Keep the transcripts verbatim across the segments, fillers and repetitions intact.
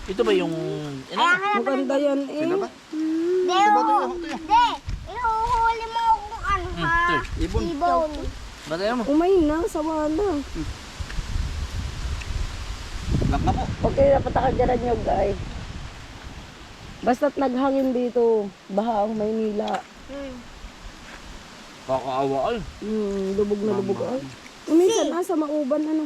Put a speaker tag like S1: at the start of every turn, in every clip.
S1: Ito ba yung... Ano?
S2: Maganda yan eh.
S3: Sila ba?
S4: Hindi,
S3: Diba ito
S4: oh.
S3: yung ito yung?
S4: Hindi. Ihuhuli mo kung ano
S1: Hmm,
S4: ha.
S1: ito.
S3: Ibon.
S4: Ibon.
S1: Batayan mo.
S2: Umay na, sawa na.
S3: Lock na po.
S2: Okay, dapat nakagaran nyo guys. Basta't naghangin dito, baha ang Maynila.
S4: Hmm.
S1: Kakaawa ay.
S2: Hmm, lubog na lubog ay. Uminsan na sa mauban ano.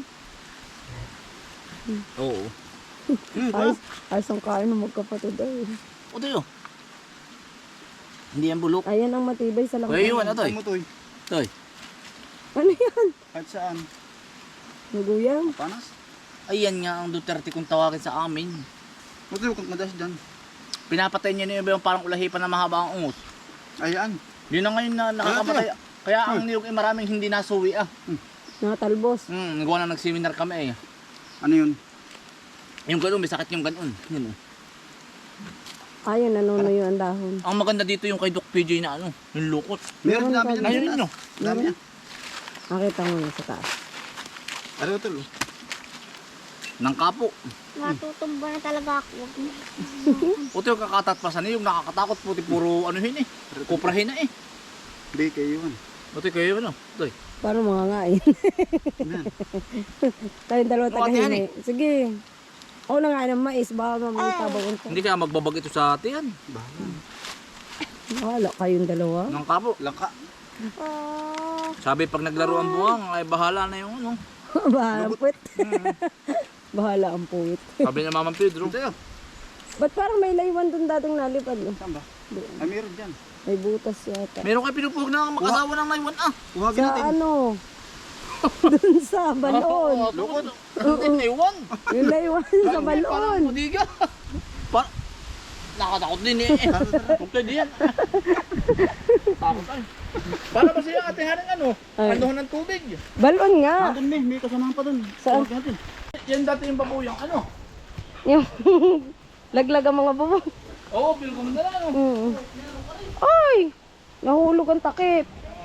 S1: Oo.
S3: Hmm,
S2: Ayos, ayos ang kain ng magkapatid ay.
S1: O tayo. Hindi yan bulok.
S2: Ayan ang matibay sa langka.
S1: Kaya yun, ano to?
S3: Ano to eh?
S1: Toy.
S2: Ano yan?
S3: Kahit saan.
S2: Naguyang.
S3: Panas.
S1: Ayan nga ang Duterte kung tawagin sa amin.
S3: Ano to yung madas dyan?
S1: Pinapatay niya na yung parang ulahipan na mahaba ang ungot.
S3: Ayan.
S1: Yun na ngayon na nakakapatay. Kaya ang niyog ay maraming hindi nasuwi ah.
S2: Nakatalbos.
S1: Hmm, nagawa na nag-seminar kami eh.
S3: Ano yun?
S1: Yung gano'n, may sakit yung gano'n. Yun oh.
S2: Ayun, nanunuyo ang dahon.
S1: Ang maganda dito yung kay Doc P J na ano, yung lukot.
S3: Meron dami dyan.
S1: Ayun nyo.
S3: Dami yan.
S2: Nakita mo na sa taas.
S3: Ano ito?
S1: Nang kapo.
S4: Matutumba na talaga ako.
S1: Puti yung kakatatpasan eh, yung nakakatakot puti puro ano yun eh. Kuprahin na eh.
S3: Hindi kayo yun.
S1: Puti kayo ano. Toy.
S2: Paano mga ngain?
S3: Ayan.
S2: Tayong dalawa
S1: Mga tiyan
S2: tagahingi. Sige. Ako na nga ng mais, baka mamaya tabawin ko.
S1: Hindi kaya magbabag ito sa atin.
S3: Bahala.
S2: Wala kayong dalawa.
S1: Nang kapo.
S3: Langka.
S4: Oh.
S1: Sabi pag naglaro ang buwang, ay bahala na yung ano.
S2: Bahala ang puwit. Bahala ang puwit.
S1: Sabi na Mamang Pedro.
S3: Ito yun.
S2: Ba't parang may laywan dun dating nalipad? No?
S3: Saan ba? Ay meron dyan.
S2: May butas yata.
S1: Meron kayo pinupuhog na mag-asawa ng naiwan ah.
S3: Kumagin
S2: Sa
S3: natin.
S2: ano? Dun sa balon.
S1: Lukot. Naiwan.
S2: Yung laywan sa
S1: Parang
S2: balon.
S1: budiga. Par Nakatakot din eh. Huwag kayo diyan. Takot ay. Para ba siya ate haring ano?
S2: Ay.
S1: Andohan ng tubig.
S2: Balon nga.
S3: Nandun may, may kasamahan pa dun.
S2: Saan?
S3: Kumagin natin.
S1: Yan dati yung babuyang ano.
S2: Yung laglag ang mga bubong.
S1: Oo, pilgom na lang.
S2: Mm. Ay! Nahulog ang takip.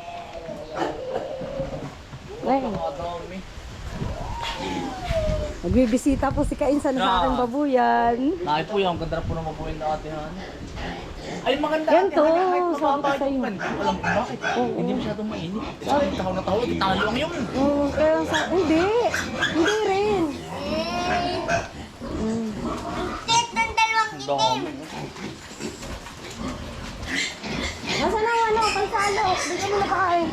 S2: Ay,
S1: Nakadami.
S2: nagbibisita po si Kainsan sa aking babuyan.
S1: Nakay po yan, ganda po ng mabuhay na ate han. Ay maganda
S2: Yan
S1: ate
S2: to,
S1: han, kahit
S2: sabi ko
S1: mababa
S2: sa'yo.
S1: yung pan. Alam ko bakit?
S2: Oo.
S1: Hindi masyadong mainit. Sabi tahaw na tahaw, talo lang yun.
S2: Mm, kaya sa... Hindi. Hindi rin.
S4: Tit ng dalawang
S1: Ang
S4: itim.
S1: dami.
S2: Nasaan ang ano? Pansalo. Bigyan mo na pakain.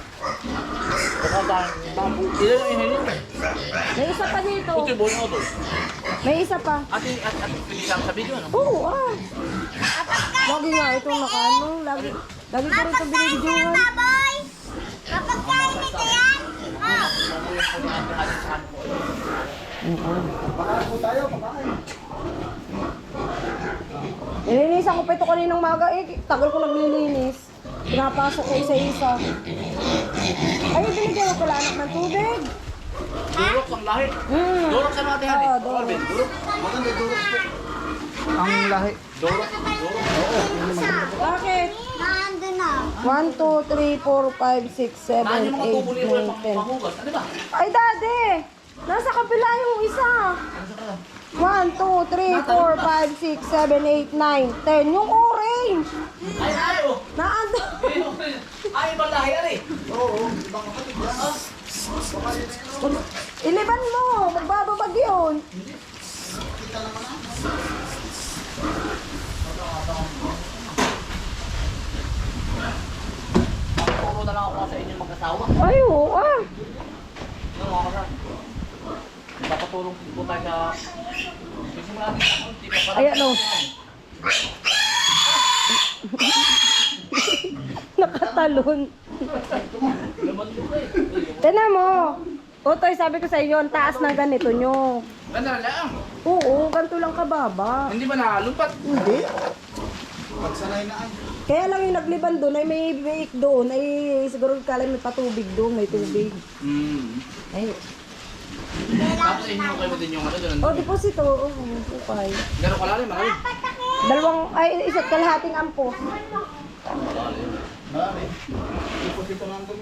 S1: Baka tayo. Ilan yung ihayin?
S2: May isa pa dito.
S1: Puti bo na ito.
S2: May isa pa.
S1: Ate, ate, ate, pwede lang sa video ano?
S2: Oo, ah. Lagi nga ito nakano. Lagi, lagi ko rito binibidyohan.
S4: Baboy. Kapag kain nito yan. Oh.
S3: Pakain po tayo, pakain.
S2: Nilinisan ko pa ito kaninang maga. Eh, tagal ko naglilinis. Pinapasok ko isa-isa. Ay, binigyan ko pala anak ng tubig.
S1: Durok ang lahi.
S2: Hmm.
S1: Durok sa mga tihan eh.
S2: Oo, durok.
S1: Alvin, durok.
S3: Maganda durok po. Ang lahi.
S1: Durok. Durok.
S2: Bakit?
S4: Nandun na.
S2: one, two, three, four, five, six,
S1: Naan
S2: seven,
S1: yung mga
S2: eight,
S1: tubo nito yung
S2: nine, ten.
S1: panghugas. Ano ba?
S2: Ay, daddy! Nasa kapila yung isa. one, two, three, four, five, six, seven, eight, nine, ten. Yung orange.
S1: Ay, ay, oh.
S2: Naando.
S1: Ay, ibang lahi, ari.
S3: Oo, baka kapatid yan.
S2: Iliban mo. Magbababag yun.
S1: Puro na lang ako sa inyo mag-asawa.
S2: Ay, oo ah.
S1: Ano mga kasama? Papatulong po tayo sa... Sisimula natin sa ano, di pa pala.
S2: Ayan o. Nakatalon.
S1: Laman ko eh.
S2: Tignan mo. Utoy, sabi ko sa iyo, ang taas ng ganito nyo.
S1: Ganda na lang.
S2: Oo, ganito lang kababa.
S1: Hindi ba nalumpat?
S2: Hindi.
S3: Pagsanay na ay.
S2: Kaya lang yung nagliban doon ay may biik doon. Ay siguro kala may patubig doon, may tubig.
S1: Hmm.
S2: Ay.
S1: Tapos inyo kayo din yung ano doon.
S2: Oh, deposito. Oo, okay.
S1: Gano'ng kalalim, marami.
S2: Dalawang, ay isa't kalahating ampo.
S3: Marami. Ipos ito nandun.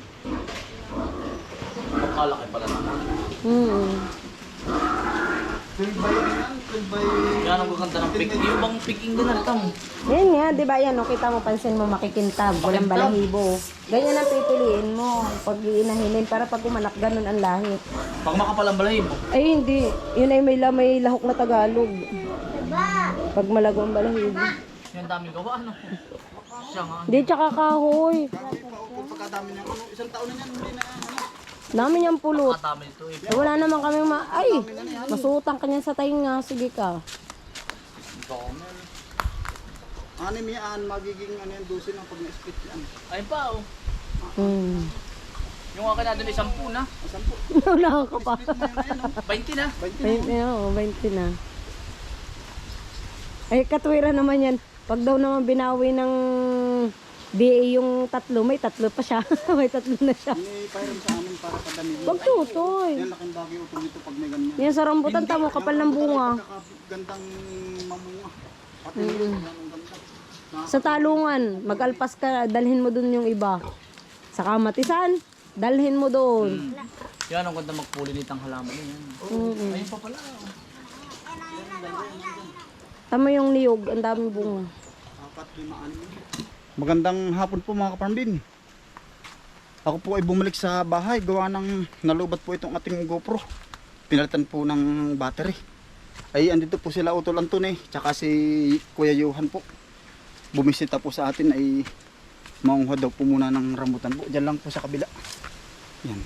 S1: Pagkalaki pala naman.
S2: Hmm.
S3: twelve by yan, twelve by...
S1: Yan ang gaganda ng pig. Yung bang piging din na tam.
S2: Yan nga, di ba yan, o kita mo, pansin mo, makikintab, walang
S1: Makintab.
S2: balahibo. Ganyan ang pipiliin mo, pag iinahinin, para pag umanak, ganun ang lahi.
S1: Pag makapal ang balahibo.
S2: Ay, hindi. Yun ay may, la- may lahok na Tagalog.
S4: Diba?
S2: Pag malago ang balahibo.
S1: Yan daming gawa, ano? Siya nga.
S2: Hindi, tsaka kahoy.
S3: Kahoy pa, o pagkadami ng ano, isang taon na yan, hindi na ano.
S2: Dami niyang pulot.
S1: Katami ito eh.
S2: Eh, wala naman kami ma... Ay! Masutang ka niyan sa tainga. Sige ka.
S1: Dami.
S3: Anim yan, magiging ano yan, dosin ang pag na-split yan.
S1: Ayun pa oh.
S2: Hmm.
S1: Yung akin natin ay sampu na.
S3: Asan po?
S2: Wala ka pa.
S3: Split na yun na yan, oh.
S1: twenty na.
S2: twenty na, oh, twenty na. Ay, katwira naman yan. Pag daw naman binawi ng D A yung tatlo, may tatlo pa siya. May tatlo na siya.
S3: May payram sa amin para padami.
S2: Wag tutoy.
S3: Yan, laking bagay utol ito pag may ganyan.
S2: Yan sa rambutan, tamo, kapal ng bunga.
S3: Gandang mamunga. Pati yung ganda.
S2: Sa talungan, mag-alpas ka, dalhin mo dun yung iba. Sa kamatisan, dalhin mo dun.
S1: Yan ang ganda magpulinit ang halaman yan.
S2: Mm-mm.
S1: Ayun pa pala. oh.
S2: Tama yung niyog, ang daming bunga.
S3: Apat, lima, anim. Magandang hapon po mga kaparambin. Ako po ay bumalik sa bahay. Gawa ng nalubat po itong ating GoPro. Pinalitan po ng battery. Ay andito po sila Utol Anton eh. Tsaka si Kuya Johan po. Bumisita po sa atin ay maungha daw po muna ng rambutan po. Diyan lang po sa kabila. Yan.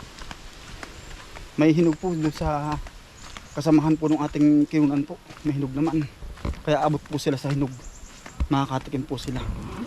S3: May hinog po doon sa kasamahan po ng ating kiunan po. May hinog naman. Kaya abot po sila sa hinog. Makakatikim po sila.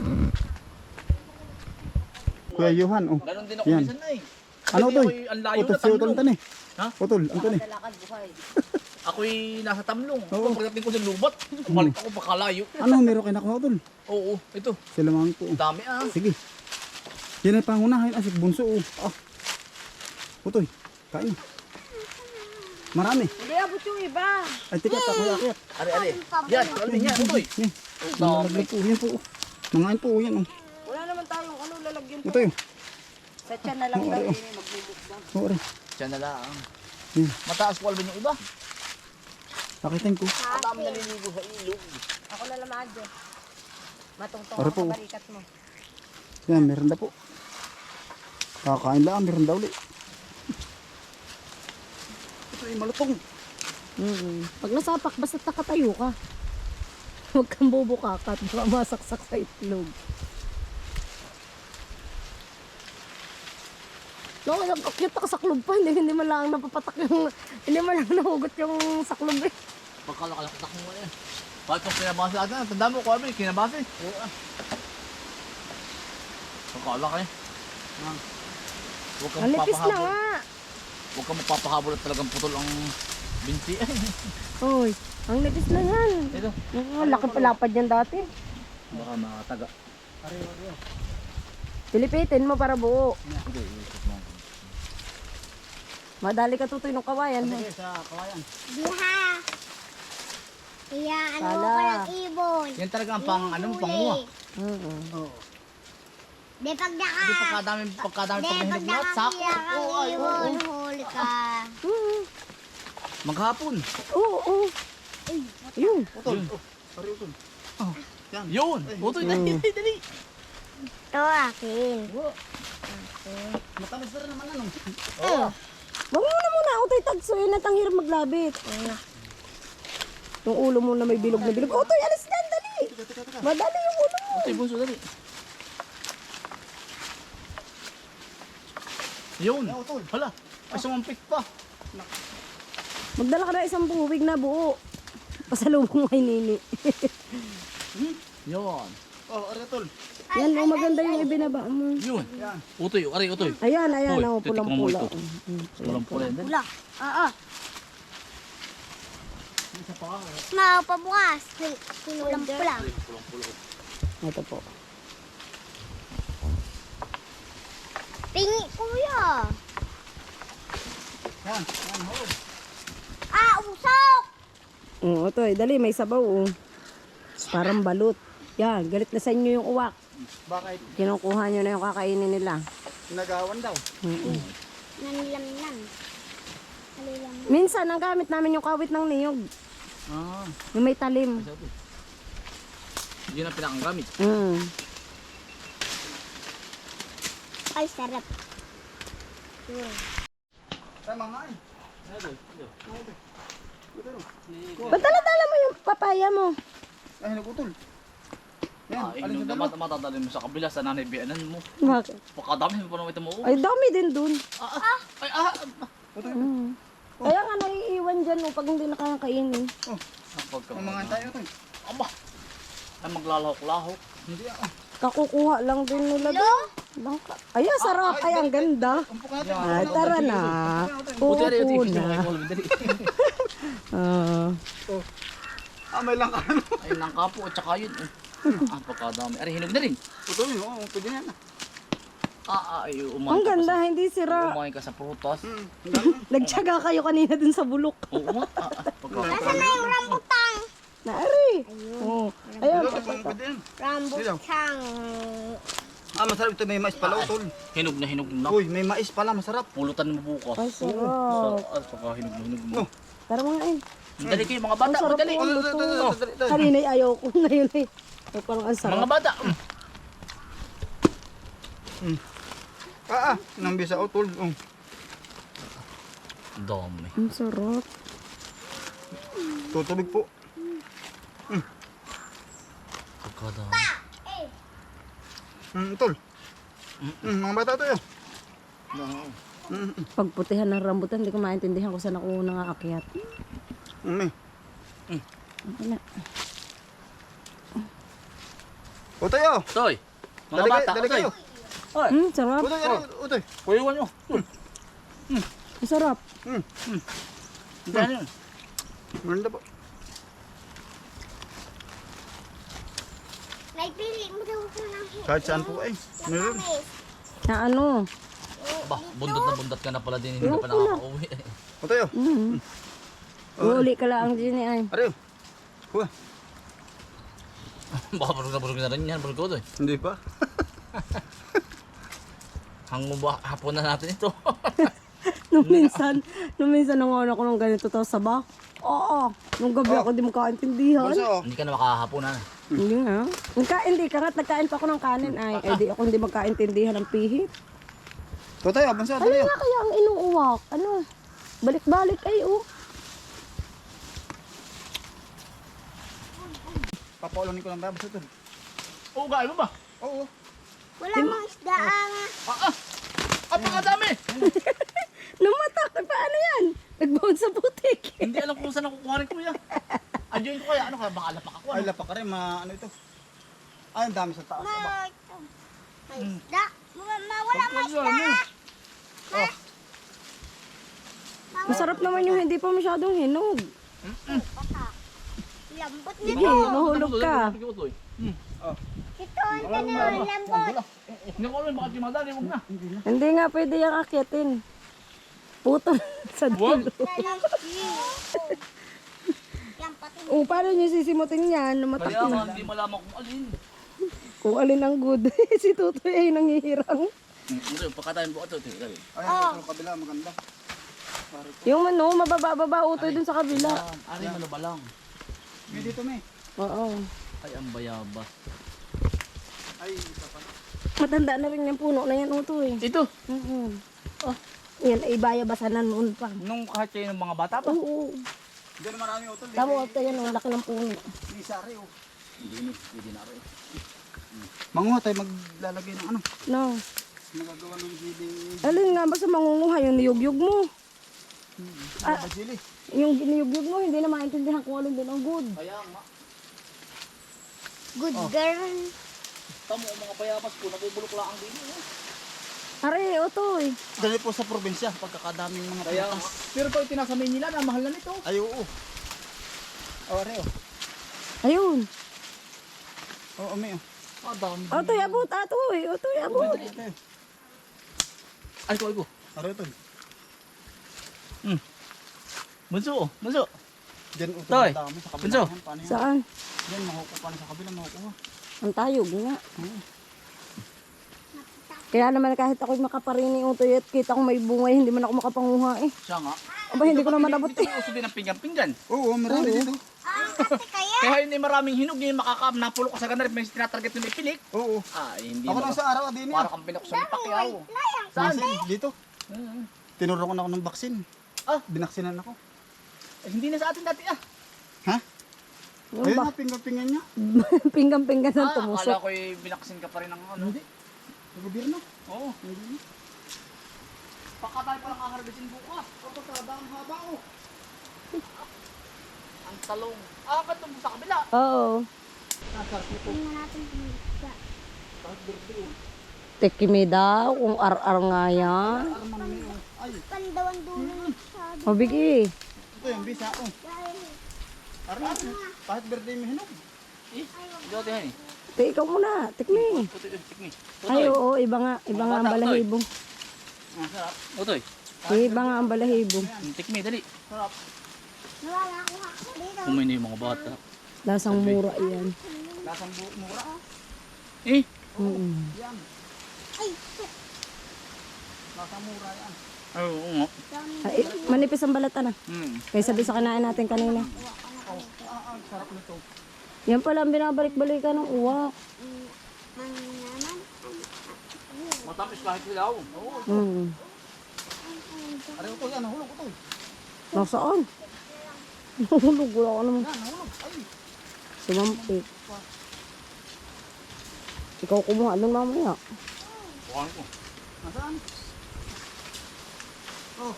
S3: Kuya Johan, oh.
S1: Ganon din ako
S3: Yan.
S1: minsan na eh.
S3: Ano
S1: Kasi
S3: to?
S1: ako'y ang layo
S3: Utol
S1: na
S3: si Utol
S1: tamlong.
S3: Anton eh.
S1: Ha?
S3: Utol, Anton eh.
S1: Ako'y nasa tamlong.
S3: Oo.
S1: Pagdating ko sa lubat, balik ako pakalayo.
S3: Ano, meron kayo nakuha Utol?
S1: Oo, ito.
S3: Sila mga po.
S1: Ang dami ah.
S3: Sige. Yan ay pangunahin. Asik bunso, oh. Ah. Utoy, kain. Marami.
S2: Hindi, abot yung iba.
S3: Ay, tikat ako yakit.
S1: Ari, ari. Yan, alin yan. Utoy.
S3: Yan. Nalaglag po. Yan po. oh. Mangain po. Yan, oh.
S2: Wala naman tayong ano, lalagyan po.
S3: Utoy, oh.
S2: Sa tiyan na lang daw, ini magbubukbang.
S3: Oo, rin.
S1: Diyan na lang.
S3: Yan.
S1: Mataas po alban yung iba.
S3: Pakitin ko.
S1: Ang dami naliligo sa ilog.
S2: Ako na lang madyo. Matungtong
S3: Para
S2: ako
S3: po.
S2: sa barikat mo.
S3: Yan, meron na po. Kakain lang, meron daw ulit. Ito ay malutong.
S2: Mm-hmm. Pag nasapak, basta nakatayo ka. Huwag kang bubukakat, baka masaksak sa itlog. No, ang cute na kasaklob pa, hindi, hindi man lang napapatak yung, hindi man lang nahugot yung saklob eh.
S1: Pagkalakalakitak mo eh. Bakit kung kinabase natin? Tanda mo ko kami, kinabase. Oo ah. Pagkalaki. Ah. Huwag kang
S2: Ang lipis na
S1: mapapahabol.
S2: nga.
S1: Huwag kang mapapahabol at talagang putol ang binti.
S2: Oy, ang lipis na yan.
S1: Ito.
S2: Oh, laki palapad yan dati.
S1: Baka makataga.
S2: Pilipitin mo para buo.
S1: Ito, iikot mo.
S2: Madali ka tutoy ng kawayan. Ha?
S3: Sige, sa kawayan.
S4: Diha. Iya, ano
S2: Sala.
S4: ko ng ibon.
S1: Yan talaga ang pang, ano, panguha.
S2: Oo.
S3: Oo.
S4: Di pag naka...
S1: Hindi pagkadami, pagkadami
S4: Di
S1: pag
S4: pag
S1: nahinog lahat, sako.
S4: nakakilak ang
S1: Oo, ay, oo.
S4: ibon, huli ka.
S2: Oo.
S1: Maghapon.
S2: Oo. Oo. Yun.
S3: Utol. Oh, sorry, Utol. Oh, yan.
S1: Yun. Utoy, dali, dali, dali.
S4: Ito akin.
S3: Matamis na rin naman ano.
S1: Oo.
S2: Wag mo na muna, utoy tagso yun at ang hirap maglabit. Yung ulo mo na may bilog na bilog. Utoy, alis dyan, dali. Madali yung ulo mo.
S1: Utoy, bunso, dali. Yun.
S3: Yeah, Utol.
S1: Hala, ay sumampik pa.
S2: Magdala ka na isang buwig na buo. Pasalubong kay Nini.
S1: Yun.
S3: Oh, ari Utol.
S2: Yan, oh, maganda yung ibinaba mo.
S1: Yun.
S3: Yan.
S1: Utoy, ari, utoy.
S2: Ayan, ayan,
S1: Uy,
S2: oh,
S1: titikman mo
S2: pulang-pula.
S1: ito. Pulang-pula yan.
S4: Wala. Oo. Mga pabukas. Pulang-pulang.
S2: Ito po.
S4: Pingi, kuya.
S3: Yan. Yan, ho.
S4: Ah, usok.
S2: Oo, utoy, dali, may sabaw, oh. Parang balut. Yan, galit na sa inyo yung uwak.
S3: Bakit?
S2: Kinukuha nyo na yung kakainin nila.
S3: Nagawan daw.
S2: Mm-mm.
S4: Nanlamnan. Kalilang.
S2: Minsan, ang gamit namin yung kawit ng niyog.
S1: Ah,
S2: Yung may talim.
S1: sabi. Yun ang pinakagamit.
S2: Mm.
S4: Ay, sarap.
S3: Tama nga eh.
S2: Ba't dala-dala mo yung papaya mo?
S3: Ay, nagutol. Yan,
S1: Ah,
S3: alin
S1: yung
S3: sa
S1: dapat
S3: dalawa?
S1: matadalhin mo sa kabila sa nanay biyanan mo.
S2: Bakit?
S1: Pakadami mo pa naman ito mo.
S2: Ay, dami din dun.
S1: Ah, ah, ay, ah.
S2: Mm. Kaya nga naiiwan dyan oh, pag hindi nakakainin.
S3: Oh,
S1: Ang pagka.
S3: mamahan tayo ito.
S1: Aba. Ay, maglalahok-lahok.
S3: Hindi ah.
S2: Kakukuha lang din nila doon. Langka. Ay, ang sarap. Ay, ang ganda.
S3: Umpok natin.
S2: Ay, tara na.
S1: Buti rin
S2: Upo
S1: yung
S2: na.
S1: dali.
S2: Ah.
S3: Ah, may lang ano.
S1: Ay, nang kapo at saka yun. eh. Ah, pagkadami. Ari, hinog na rin.
S3: Utol yun, oo, pwede yan.
S1: Ah, ah, ay,
S2: Ang
S1: umain ka pa
S2: ganda,
S1: sa-
S2: hindi sira.
S1: Umain ka sa prutas.
S3: Hmm, ang dami.
S2: Nagtyaga kayo kanina dun sa bulok.
S1: Oo nga. Ah, ah, pagka.
S4: Nasaan na yung rambutang?
S2: Naari. Oh. Ayun.
S3: Dito, pwede yan.
S4: Rambutang.
S3: Ah, masarap ito. May mais pala, utol.
S1: Hinog na hinog na.
S3: Uy, may mais pala, masarap.
S1: Pulutan mo bukas.
S2: Ay,
S1: Sa,
S2: sarap.
S1: ah, pagka hinog na hinog mo.
S3: Oh.
S2: Tara mga eh.
S1: Dali kayo mga
S2: Ang
S1: bata.
S2: sarap
S1: Dali.
S2: po ang
S3: Oh,
S2: luto.
S3: dali, dali, dali, dali.
S2: Kanina ayaw ko. Ngayon eh. Ay, parang ang sarap.
S1: Mga bata.
S3: Ah, ah, nang bisa, utol. Oh.
S1: Dami.
S2: Ang sarap.
S3: Tutubig po.
S1: Pagkadami.
S3: Hmm, utol. Hmm, mga bata to yun.
S1: No.
S3: Hmm,
S2: Pagputihan ng rambutan, hindi ko maintindihan kung saan ako nangaakyat.
S3: hmm, eh.
S2: Wala.
S3: Utoy, oh.
S1: Toy. Mga
S3: Dali
S1: bata.
S3: kayo, dali kayo.
S1: Ay,
S2: Hmm, sarap.
S3: Utoy, ano, utoy.
S1: kuyawan nyo.
S2: Ang sarap.
S1: Dali yun.
S3: Maganda po.
S4: Naipili mo daw ko ng
S3: Kahit saan po eh. Meron.
S4: Promise.
S2: Na ano?
S1: Ba, bundot na bundot ka na pala din. Hindi ka pa nakaka-uwi.
S3: Utoy, oh.
S2: Mm. Uli ka lang din ay.
S3: Ariyo. Kuha.
S1: Baka burog na burog na rin yan. Burog ko doon.
S3: Hindi pa.
S1: Hango ba hapon na natin ito?
S2: Nung minsan, nung minsan nanguha ako ng ganito to sa ba? Oo. Nung gabi ako di makaintindihan.
S3: Bunso, oh.
S1: Hindi ka na makakahaponan.
S2: Hindi nga. Nagka, hindi ka nga, nagkain pa ako ng kanin ay. Eh di ako hindi magkaintindihan ng pihit.
S3: Tutoy, oh, bunso,
S2: Ano
S3: dali, oh.
S2: nga kaya ang inuuwak? Ano? Balik-balik ay oh.
S3: Papaulanin ko lang ba, bunso, tol.
S1: Oo, gaya mo ba?
S3: Oo.
S4: Wala mong isda ang...
S1: Ah, ah! Ah, pagkadami!
S2: Lumatak. Paano yan? Nagbaon sa putik.
S1: Hindi alam kung saan nakukuha rin kuya. Adyoin ko kaya, ano kaya, baka lapak ako.
S3: Ay,
S1: Ano?
S3: lapak ka rin, ma, ano ito. Ay, ang dami sa taas. Aba.
S4: Ma, ito. May isda. Ma, ma, wala mong isda.
S1: Oh,
S2: Masarap naman yung hindi pa masyadong hinog.
S4: Baka. Lambot
S2: Sige,
S4: nito.
S2: mahulog ka.
S4: Ito, ang ganun. Lambot.
S1: Hindi ko alam, baka timadali, huwag na.
S2: Hindi nga pwede yung akyatin. Puto sa
S1: Huwag.
S2: dulo.
S4: Yan, pati.
S2: O, paano nyo sisimutin yan? Lumatak
S1: Kaya
S2: na.
S1: nga, hindi malaman kung alin.
S2: Kung alin ang good. Si Tutoy ay nangihirang.
S1: Ito, pagkatayin po ito. Ito, ito.
S3: Ay, ito sa kabila, maganda.
S2: Yung ano, mababa-baba utoy dun sa kabila.
S1: Ari, ano ba lang?
S3: May dito, may.
S2: Oo.
S1: Ay, ang bayaba.
S3: Ay, isa pa.
S2: Matanda na rin yung puno na yan utoy.
S1: Ito.
S2: Oo. Oh. Yan, ay bayabasan na noon pa.
S1: Nung kahit kayo ng mga bata pa.
S2: Oo.
S3: Diyan marami utol.
S2: Tama utoy yan, ang laki ng puno.
S3: May sari, oh.
S1: Hindi, hindi na rin.
S3: Manguha tayo maglalagay ng ano.
S2: No.
S3: Magagawa ng giling.
S2: Alin nga ba sa mangunguha yung niyugyug mo?
S3: Ah, basili.
S2: Yung niyugyug mo, hindi na maintindihan kung alin din ang good.
S1: Kaya nga.
S4: Good girl.
S1: Tamo ang mga bayabas po, nabubulok lang ang dito. Eh.
S2: Are, utoy.
S3: Dali po sa probinsya, pagkakadaming mga
S1: Kaya
S3: prutas.
S1: pero pag tinasa Maynila, na mahal na nito.
S3: Ay, oo. Oh, are, oh.
S2: Ayun.
S3: Oo, may, oh.
S1: Ah, dami.
S2: Utoy, abot, atoy. Utoy, abot.
S3: Okay.
S1: Ay, ko, ay ko.
S3: Are, utol.
S1: Bunso, oh, bunso.
S3: Diyan, utol.
S1: Toy,
S3: ang dami sa kabila.
S1: bunso.
S3: Yan, paano yan?
S2: Saan?
S3: Diyan, makukuha pa na sa kabila, makukuha.
S2: Ang tayog nga. Kaya naman kahit ako'y makaparini utoy at kita kong may bungay, hindi man ako makapanguha eh.
S1: Siya nga.
S2: Aba, hindi ko naman abot
S1: Dito
S2: eh.
S1: uso din ang pinggan-pinggan.
S3: Oo, marami dito.
S4: Ah, kasi kaya.
S1: Kaya hindi maraming hinog yung makakam napulok ka sa ganarip may tinatarget yung ipilik.
S3: Oo.
S1: Ah, hindi
S3: Ako
S1: mo.
S3: lang sa araw din
S1: Para
S3: yan.
S1: kang pinok sa Pacquiao.
S4: Layang.
S1: Saan?
S3: Dito. Tinurukan ako ng baksin.
S1: Ah.
S3: Binaksinan ako.
S1: Eh, hindi na sa atin dati ah.
S3: Ha?
S2: Yung
S3: Ayun
S2: ba?
S3: na, pinggan-pingan niya.
S2: Pinggan-pinggan ng
S1: Ah,
S2: tumusok.
S1: akala ko'y binaksin ka pa rin ng ano.
S3: Hindi. Sa gobyerno.
S1: Oo. Baka tayo palang kaharbisin bukas.
S3: Kapag kada ang haba oh.
S1: Ang talong. Ah, katong sa kabila.
S2: Oo.
S4: Tingnan natin kung sa
S2: Tikimi daw, kung ar-ar nga yan.
S3: Ay,
S4: pandawan dulo ng sabi.
S2: Mabigi.
S3: ito yung bisa oh.
S4: Dahil,
S3: Aral. Kahit birthday mo hinog.
S1: Eh, dito yan eh.
S2: Te, ikaw muna, tikmi.
S1: Putoy, tikmi.
S2: Ay, oo, iba nga, iba nga ang balahibo.
S1: Sarap. Utoy.
S2: Iba nga ang balahibo.
S1: Tikmi, dali. Sarap.
S4: nawala ako ako dito.
S1: Kumain na yung mga bata.
S2: Lasang mura yan.
S3: Lasang buhok mura.
S1: Eh,
S2: Mm.
S3: Yan.
S4: Ay,
S3: Lasang mura yan.
S1: ay, oo nga.
S2: Ay, manipis ang balatan ah.
S1: Hmm.
S2: Kaysa doon sa kinain natin kanina.
S3: Oh, ah, ah, sarap nito.
S2: Yan pala ang binabalik-balikan ng uwak.
S4: man naman.
S1: Matamis kahit hilaw. Oo.
S2: Mm.
S3: Aray ito yan, nahulog ito.
S2: Nasaan? Nahulog, wala ka naman.
S3: Yan, nahulog. Ay.
S2: Sumampit. Ikaw kumuha doon mamaya.
S1: Bukan ko.
S3: Nasaan? Oh.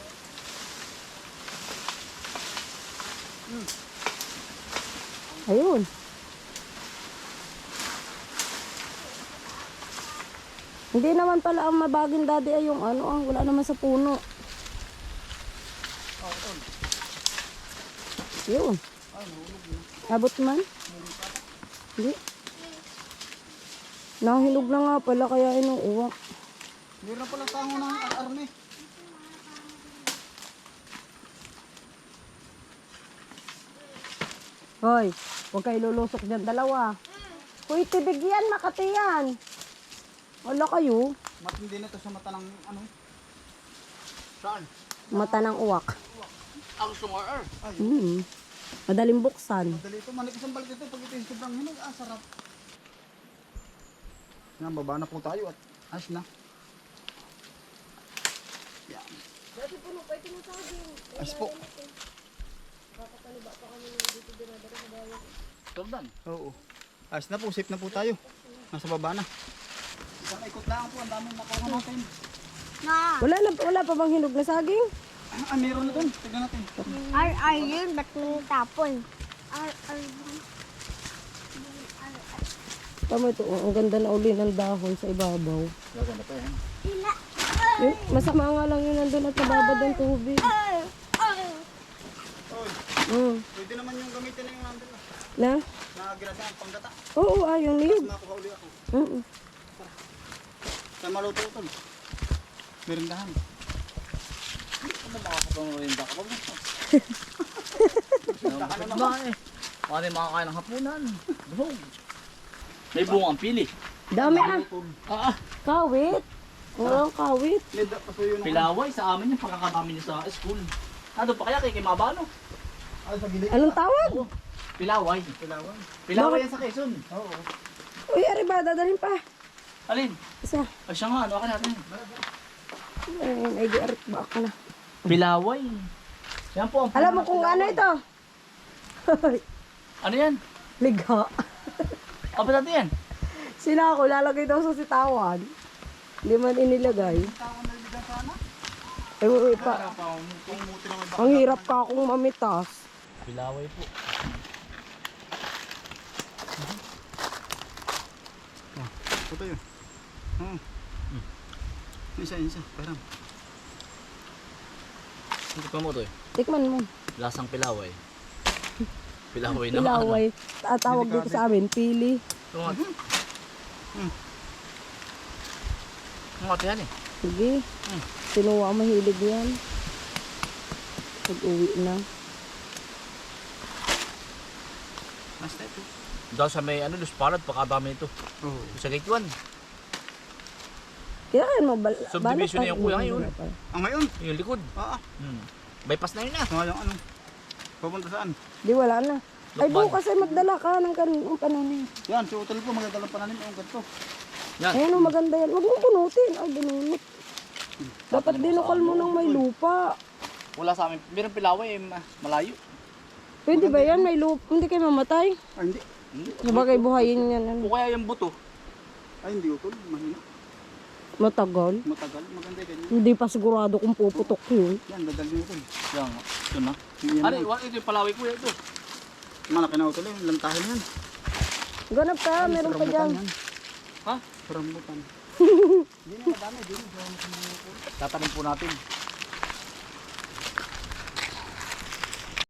S2: Ayun. Hindi naman pala ang mabaging daddy ay yung ano ah, wala naman sa puno. Yun. Abot man? Hindi. Nahilog na nga pala kaya inuuwak.
S3: Meron pala tango ng arme.
S2: Hoy, huwag kayo lulusok dyan dalawa. Kuy, tibig yan, Makati yan. Wala kayo.
S3: Matindi na ito sa mata ng ano.
S1: Saan?
S2: Mata ng uwak.
S1: Ang sungar.
S2: Hmm. Madaling buksan.
S3: Madali ito, manikas ang balik ito. Pag ito yung sobrang hinog, ah, sarap. Yan, baba na po tayo at ayos na. Yan. Ayos po.
S1: Tordan.
S3: Oo. Ayos na po, safe na po tayo. Nasa baba na. Isang ikot lang po, ang daming nakuha natin.
S4: Na,
S2: Wala na, wala pa bang hinog na saging?
S3: Ah, meron na dun. Tignan natin.
S4: R R yun, ba't mo tapon? R R
S2: Tama ito, oh, ang ganda na uli ng dahon sa ibabaw.
S1: Gaganda pa yan.
S4: Sila.
S2: Yun, masama nga lang yun nandun at nababad ng tubig.
S4: Ay, ay.
S3: Oy,
S2: Mm.
S3: pwede naman yung gamitin na yung nandun. ah.
S2: Na?
S3: Na ginasa ang panggata.
S2: Oo, ayun niyog.
S3: Nakuha uli ako.
S2: Mm.
S3: Sa maluto ito. Merindahan.
S1: Ano makakapangurin ba ka ba? Ano ba eh? Paano yung makakain ng hapunan? Buhog. May bungang pili.
S2: Dami ah.
S1: Ah, ah.
S2: Kawit. Walang kawit.
S3: Leda pa po yun.
S1: Pilaway sa amin yung pagkakadami niya sa school. Ano pa kaya kay Kimabano?
S3: Ay, sa gilid.
S2: Anong tawag?
S1: Oo. Pilaway.
S3: Pilawan.
S1: Pilaway yan sa Quezon.
S3: Oo.
S2: Uy, ari ba? Dadalhin pa.
S1: Alin?
S2: Isa.
S1: Ay siya nga, ano ka natin?
S2: Ayun, ay di arit ba ako na.
S1: Pilaway. Yan po ang
S2: Alam mo kung ano ito?
S1: Ano yan?
S2: Liga.
S1: Apa natin yan?
S2: Sila ako, lalagay daw sa sitawan. Hindi man inilagay.
S3: Tawang naligan sana.
S2: Ay, uy, pa.
S3: Kung muti lang may
S2: Ang hirap ka akong mamitas.
S1: Pilaway po.
S3: Ito yun. Oo. Isa, isa. Parang.
S1: Hindi pa mo to eh.
S2: Tikman mo.
S1: Lasang pilaway. Pilaway naman.
S2: Pilaway. Tatawag dito sa amin, pili.
S1: Ano nga?
S3: Hmm.
S1: Ano nga yan eh?
S2: Sige.
S1: Hmm.
S2: Sinuwa mahilig yan. Pag-uwi na.
S3: Basta ito.
S1: Daw sa may ano, luspalad, pakadami ito.
S3: Oo.
S1: Sa gate one.
S2: Kailangan mo bal
S1: Subdivision na yung kuya ngayon.
S3: Ah, ngayon?
S1: Yung likod.
S3: Ah, ah.
S1: Hmm. Bypass na yun ah.
S3: Ah, yung ano? Pupunta saan?
S2: Di wala na. Ay
S1: Lukban.
S2: bukas ay magdala ka ng kanong pananim.
S3: Yan, si Utol po, magdadalang pananim. Ang ganito.
S1: Yan.
S2: Ayan o, maganda yan. Huwag mong punutin. Ay, binunot. Dapat dinukal mo ng may lupa.
S1: Wala sa amin. Meron pilaway eh, ma- malayo.
S2: Pwede ba yan? May lupa. Hindi kayo mamatay.
S3: Ay, hindi.
S1: Hindi.
S2: Sabagay buhayin yan. Ano.
S1: O kaya yung buto.
S3: Ay, hindi Utol. Mahina.
S2: Matagal.
S3: Matagal. Maganda ganyan.
S2: Hindi pa sigurado kung puputok yun.
S3: Yan, dadal niyo Utol.
S1: Yan. Ito na.
S3: Yan
S1: Ano,
S3: na.
S1: wala ito yung palaway kuya ito.
S3: Malaki na Utol eh. Lantahin yan.
S2: Ganap ka, meron pa dyan.
S3: Yan.
S1: Ha?
S3: Rambutan. Hindi na madami. Hindi na.
S1: Tatanim po natin.